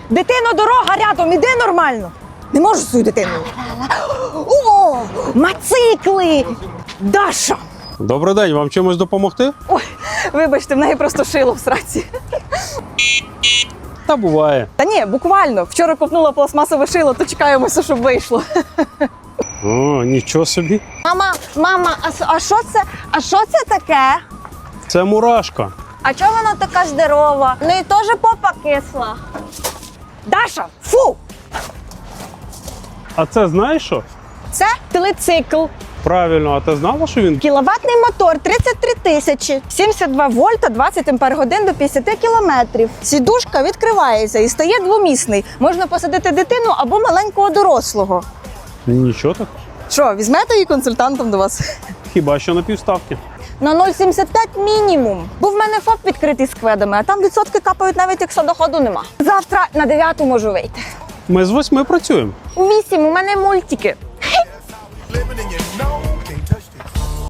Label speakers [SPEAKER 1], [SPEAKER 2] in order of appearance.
[SPEAKER 1] Дитино, дорога рядом, іди нормально. Не можу свою дитину. О, мацикли! Даша!
[SPEAKER 2] Добрий день, вам чимось допомогти?
[SPEAKER 1] Ой, вибачте, в неї просто шило в сраці.
[SPEAKER 2] Та буває.
[SPEAKER 1] Та ні, буквально. Вчора купнула пластмасове шило, то чекаємося, щоб вийшло.
[SPEAKER 2] О, нічого собі.
[SPEAKER 1] Мама, а що це? А що це таке?
[SPEAKER 2] Це мурашка.
[SPEAKER 1] А чого вона така здорова? В неї теж попа кисла. Даша, фу!
[SPEAKER 2] А це знаєш що?
[SPEAKER 1] Це телецикл.
[SPEAKER 2] Правильно, а ти знала, що він
[SPEAKER 1] Кіловатний мотор 33 тисячі, 72 вольта, 20 ампер-годин до 50 кілометрів. Сідушка відкривається і стає двомісний. Можна посадити дитину або маленького дорослого.
[SPEAKER 2] нічого так?
[SPEAKER 1] Що, візьмете її консультантом до вас?
[SPEAKER 2] Хіба що на півставки.
[SPEAKER 1] На 0,75 мінімум. Бо в мене ФОП відкритий з кведами, а там відсотки капають навіть якщо доходу нема. Завтра на 9 можу вийти.
[SPEAKER 2] Ми з 8 працюємо.
[SPEAKER 1] У 8 у мене мультики.